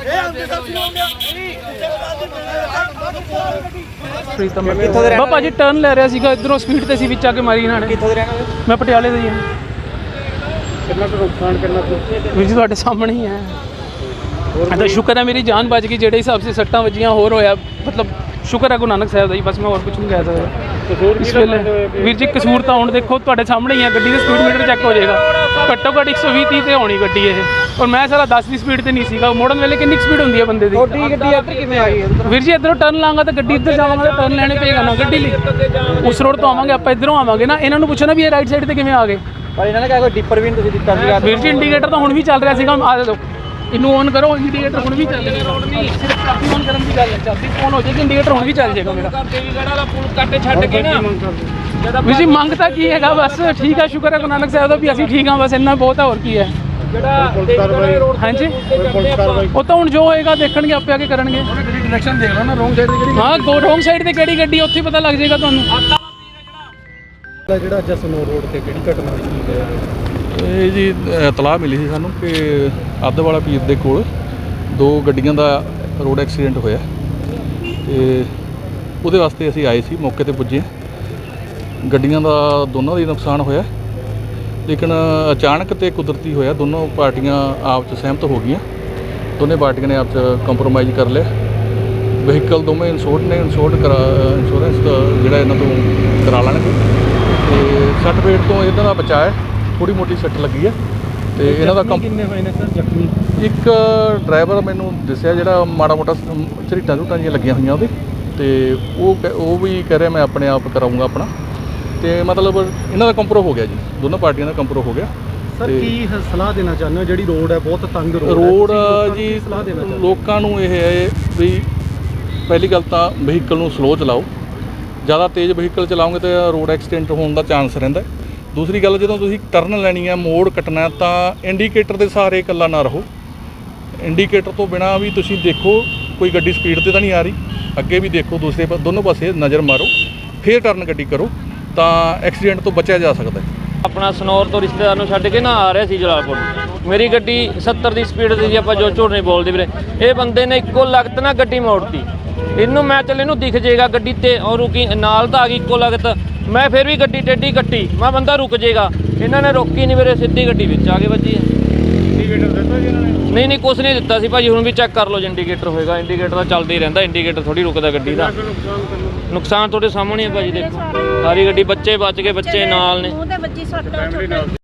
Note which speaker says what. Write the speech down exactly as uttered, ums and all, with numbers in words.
Speaker 1: ਬਾ ਭਾਜੀ ਟਰਨ ਲੈ ਰਿਹਾ ਸੀਗਾ ਇਧਰੋਂ ਸਪੀਡ ਤੇ ਸੀ ਵਿੱਚ ਆ ਕੇ ਮਾਰੀ ਇਹਨਾਂ ਨੇ।
Speaker 2: ਕਿੱਥੋਂ ਦੇ ਰਹਿਣਾ?
Speaker 1: ਮੈਂ ਪਟਿਆਲੇ ਦਾ ਹੀ ਹਾਂ।
Speaker 2: ਕਿੰਨਾ ਕੁ ਨੁਕਸਾਨ ਕਰਨਾ
Speaker 1: ਵੀਰ ਜੀ ਤੁਹਾਡੇ ਸਾਹਮਣੇ ਹੀ ਹੈ। ਤਾਂ ਸ਼ੁਕਰ ਹੈ ਮੇਰੀ ਜਾਨ ਬਚ ਗਈ, ਜਿਹੜੇ ਹਿਸਾਬ ਸੇ ਸੱਟਾਂ ਵੱਜੀਆਂ ਹੋਰ ਹੋਇਆ, ਮਤਲਬ ਸ਼ੁਕਰ ਹੈ ਗੁਰੂ ਨਾਨਕ ਸਾਹਿਬ ਦਾ ਹੀ, ਬਸ ਮੈਂ ਹੋਰ ਕੁਝ ਨਹੀਂ ਕਹਿ ਸਕਦਾ। ਇਸ ਵੇਲੇ ਵੀਰ ਜੀ ਕਸੂਰ ਤਾਂ ਹੁਣ ਦੇਖੋ ਤੁਹਾਡੇ ਸਾਹਮਣੇ ਹੀ ਹੈ, ਗੱਡੀ ਦਾ ਸਪੀਡ ਮੀਟਰ ਚੈੱਕ ਹੋ ਜਾਏਗਾ, ਘੱਟੋ ਘੱਟ ਇੱਕ ਸੌ ਵੀਹ ਤੀਹ ਤੇ ਹੋਣੀ ਗੱਡੀ ਇਹ, ਔਰ ਮੈਂ ਸਾਰਾ ਦਸ ਦੀ ਸਪੀਡ ਤੇ ਨਹੀਂ ਸੀਗਾ। ਮੋੜਨ ਵੇਲੇ ਕਿੰਨੀ ਸਪੀਡ ਹੁੰਦੀ ਹੈ ਬੰਦੇ ਦੀ?
Speaker 2: ਤੁਹਾਡੀ ਗੱਡੀ ਇੱਧਰ ਕਿਵੇਂ ਆ ਗਈ?
Speaker 1: ਵੀਰ ਜੀ ਇੱਧਰੋਂ ਟਰਨ ਲਾਂਗਾ ਤਾਂ ਗੱਡੀ ਇੱਧਰ ਜਾਵਾਂਗਾ ਤਾਂ ਟਰਨ ਲੈਣੇ ਪਏਗਾ ਨਾ ਗੱਡੀ ਲਈ। ਉਸ ਰੋਡ ਤੋਂ ਆਵਾਂਗੇ ਆਪਾਂ, ਇੱਧਰੋਂ ਆਵਾਂਗੇ ਨਾ, ਇਹਨਾਂ ਨੂੰ ਪੁੱਛੋ ਨਾ ਵੀ ਇਹ ਰਾਈਟ ਸਾਈਡ ਤੇ ਕਿਵੇਂ ਆ ਗਏ।
Speaker 2: ਪਰ ਇਹਨਾਂ ਨੇ ਕਿਹਾ ਕੋਈ ਡਿੱਪਰ ਵੀ ਨਹੀਂ ਤੁਸੀਂ ਦਿੱਤਾ ਸੀਗਾ।
Speaker 1: ਵੀਰ ਜੀ ਇੰਡੀਕੇਟਰ ਤਾਂ ਹੁਣ ਵੀ ਚੱਲ ਰਿਹਾ ਸੀਗਾ, ਆ ਦੇਖੋ ਇਹਨੂੰ ਔਨ ਕਰੋ, ਇੰਡੀਕੇਟਰ ਹੁਣ ਵੀ ਚੱਲ ਰਿਹਾ। ਰੋਡ ਨਹੀਂ ਸਿਰਫ ਚਾਬੀ ਔਨ ਕਰਨ ਦੀ ਗੱਲ ਹੈ, ਚਾਬੀ ਔਨ ਹੋ ਜਾਏਗੀ, ਇੰਡੀਕੇਟਰ ਹੁਣ ਵੀ ਚੱਲ ਜਾਏਗਾ ਮੇਰਾ। ਛੱਡ ਕੇ ਨਾ ਵੀਰ ਜੀ ਮੰਗ ਤਾਂ ਕੀ ਹੈਗਾ, ਬਸ ਠੀਕ ਹੈ, ਸ਼ੁਕਰ ਹੈ ਗੁਰੂ ਨਾਨਕ ਸਾਹਿਬ ਦਾ ਵੀ ਅਸੀਂ ਠੀਕ ਹਾਂ, ਬਸ ਇੰਨਾ ਬਹੁਤ ਹੈ, ਹੋਰ ਕੀ ਹੈ। ਹਾਂਜੀ ਉਹ ਤਾਂ ਹੁਣ ਜੋ ਹੋਏਗਾ ਦੇਖਣਗੇ, ਆਪੇ ਆ ਕੇ ਕਰਨਗੇ।
Speaker 2: ਡਾਇਰੈਕਸ਼ਨ ਦੇਖ ਲਓ ਨਾ, ਰੋਂਗ ਸਾਈਡ ਤੇ ਕਿਹੜੀ
Speaker 1: ਹਾਂ ਗੋ ਰੋਂਗ ਸਾਈਡ ਤੇ ਕਿਹੜੀ ਗੱਡੀ ਉੱਥੇ ਪਤਾ ਲੱਗ ਜਾਏਗਾ ਤੁਹਾਨੂੰ।
Speaker 2: ਜਿਹੜਾ ਜਸਨੋ ਰੋਡ ਤੇ ਕਿਹੜੀ ਘਟਨਾ ਹੋਈ?
Speaker 3: ਇਹ ਜੀ ਇਤਲਾਹ ਮਿਲੀ ਸੀ ਸਾਨੂੰ ਕਿ ਅੱਧਵਾਲਾ ਪੀਰ ਦੇ ਕੋਲ ਦੋ ਗੱਡੀਆਂ ਦਾ ਰੋਡ ਐਕਸੀਡੈਂਟ ਹੋਇਆ ਤੇ ਉਹਦੇ ਵਾਸਤੇ ਅਸੀਂ ਆਏ ਸੀ, ਮੌਕੇ ਤੇ ਪੁੱਜੇ। ਗੱਡੀਆਂ ਦਾ ਦੋਨਾਂ ਦਾ ਨੁਕਸਾਨ ਹੋਇਆ, ਲੇਕਿਨ ਅਚਾਨਕ ਤੇ ਕੁਦਰਤੀ ਹੋਇਆ। ਦੋਨੋਂ ਪਾਰਟੀਆਂ ਆਪ 'ਚ ਸਹਿਮਤ ਹੋ ਗਈਆਂ, ਦੋਨੇ ਪਾਰਟੀਆਂ ਨੇ ਆਪ 'ਚ ਕੰਪਰੋਮਾਈਜ਼ ਕਰ ਲਿਆ। ਵਹੀਕਲ ਦੋਵੇਂ ਇੰਸ਼ੋਰਡ ਨੇ, ਇੰਸ਼ੋਰਡ ਕਰਾ ਇੰਸ਼ੋਰੈਂਸ ਜਿਹੜਾ ਇਹਨਾਂ ਤੋਂ ਕਰਾ ਲੈਣਗੇ। ਤੇ ਸੱਟ ਫੇਟ ਤੋਂ ਇਹਨਾਂ ਦਾ ਬਚਾਅ ਹੈ, ਥੋੜੀ ਮੋਟੀ ਸੱਟ ਲੱਗੀ ਹੈ। ਤੇ ਇਹਨਾਂ ਦਾ
Speaker 2: ਕਿੰਨੇ ਹੋਏ ਨੇ ਸਰ ਜ਼ਖਮੀ?
Speaker 3: ਇੱਕ ਡਰਾਈਵਰ ਮੈਨੂੰ ਦੱਸਿਆ ਜਿਹੜਾ ਮਾੜਾ ਮੋਟਾ ਝਰੀਟਾਂ ਝੂਟਾਂ ਜਿਹੀਆਂ ਲੱਗੀਆਂ ਹੋਈਆਂ ਉਹਦੇ, ਤੇ ਉਹ ਉਹ ਵੀ ਕਹਿ ਰਿਹਾ ਮੈਂ ਆਪਣੇ ਆਪ ਕਰਾਊਂਗਾ ਆਪਣਾ। ਤੇ ਮਤਲਬ ਇਹਨਾਂ ਦਾ ਕੰਪਰੋ ਹੋ ਗਿਆ ਜੀ, ਦੋਨੋਂ ਪਾਰਟੀਆਂ ਦਾ ਕੰਪਰੋ ਹੋ ਗਿਆ।
Speaker 2: ਸਰ ਕੀ ਸਲਾਹ ਦੇਣਾ ਚਾਹੁੰਦੇ ਹੋ? ਜਿਹੜੀ ਰੋਡ ਹੈ ਬਹੁਤ ਤੰਗ ਰੋਡ
Speaker 3: ਰੋਡ ਜੀ, ਲੋਕਾਂ ਨੂੰ ਇਹ ਹੈ ਵੀ ਪਹਿਲੀ ਗੱਲ ਤਾਂ ਵਹੀਕਲ ਨੂੰ ਸਲੋ ਚਲਾਓ, ਜ਼ਿਆਦਾ ਤੇਜ਼ ਵਹੀਕਲ ਚਲਾਓਗੇ ਤਾਂ ਰੋਡ ਐਕਸੀਡੈਂਟ ਹੋਣ ਦਾ ਚਾਂਸ ਰਹਿੰਦਾ। ਦੂਸਰੀ ਗੱਲ, ਜਦੋਂ ਤੁਸੀਂ ਟਰਨ ਲੈਣੀ ਹੈ, ਮੋੜ ਕੱਟਣਾ, ਤਾਂ ਇੰਡੀਕੇਟਰ ਦੇ ਸਹਾਰੇ ਇਕੱਲਾ ਨਾ ਰਹੋ। ਇੰਡੀਕੇਟਰ ਤੋਂ ਬਿਨਾਂ ਵੀ ਤੁਸੀਂ ਦੇਖੋ ਕੋਈ ਗੱਡੀ ਸਪੀਡ 'ਤੇ ਤਾਂ ਨਹੀਂ ਆ ਰਹੀ, ਅੱਗੇ ਵੀ ਦੇਖੋ, ਦੂਸਰੇ ਦੋਨੋਂ ਪਾਸੇ ਨਜ਼ਰ ਮਾਰੋ, ਫਿਰ ਟਰਨ ਗੱਡੀ ਕਰੋ, ਤਾਂ ਐਕਸੀਡੈਂਟ ਤੋਂ ਬਚਿਆ ਜਾ ਸਕਦਾ ਹੈ।
Speaker 4: ਆਪਣਾ ਸਨੌਰ ਤੋਂ ਰਿਸ਼ਤੇਦਾਰ ਨੂੰ ਛੱਡ ਕੇ ਨਾ ਆ ਰਿਹਾ ਸੀ ਜਲਾਲਪੁਰ, ਮੇਰੀ ਗੱਡੀ ਸੱਤਰ ਦੀ ਸਪੀਡ ਤੇ ਸੀ, ਆਪਾਂ ਜੋ ਝੂਠ ਨਹੀਂ ਬੋਲਦੇ ਵੀਰੇ। ਇਹ ਬੰਦੇ ਨੇ ਇੱਕੋ ਲਗਤ ਨਾ ਗੱਡੀ ਮੋੜਤੀ, ਇਹਨੂੰ ਮੈਂ ਚੱਲ ਇਹਨੂੰ ਦਿਖ ਜਾਏਗਾ ਗੱਡੀ ਤੇ, ਔਰ ਰੁਕੀ ਨਾਲ ਤਾਂ ਆ ਗਈ ਇੱਕੋ ਲਗਤ, ਮੈਂ ਫਿਰ ਵੀ ਗੱਡੀ ਟੇਢੀ ਕੱਟੀ, ਮੈਂ ਬੰਦਾ ਰੁਕ ਜਾਏਗਾ, ਇਹਨਾਂ ਨੇ ਰੋਕੀ ਨਹੀਂ ਵੀਰੇ, ਸਿੱਧੀ ਗੱਡੀ ਵਿੱਚ ਆ ਕੇ ਵੱਜੀ ਹੈ।
Speaker 2: ਇੰਡੀਕੇਟਰ ਦਿੱਤਾ ਜੀ ਇਹਨਾਂ ਨੇ?
Speaker 4: ਨਹੀਂ ਨਹੀਂ ਕੁਛ ਨਹੀਂ ਦਿੱਤਾ ਸੀ ਭਾਜੀ, ਹੁਣ ਵੀ ਚੈੱਕ ਕਰ ਲਓ, ਇੰਡੀਕੇਟਰ ਹੋਏਗਾ, ਇੰਡੀਕੇਟਰ ਤਾਂ ਚੱਲਦਾ ਹੀ ਰਹਿੰਦਾ, ਇੰਡੀਕੇਟਰ ਥੋੜੀ ਰੁਕਦਾ ਗੱਡੀ ਦਾ। ਨੁਕਸਾਨ ਤੁਹਾਡੇ ਸਾਹਮਣੇ ਹੈ ਭਾਜੀ, ਦੇਖੋ ਸਾਰੀ ਗੱਡੀ, ਬੱਚੇ ਬਚ ਗਏ, ਬੱਚੇ ਨਾਲ ਨੇ।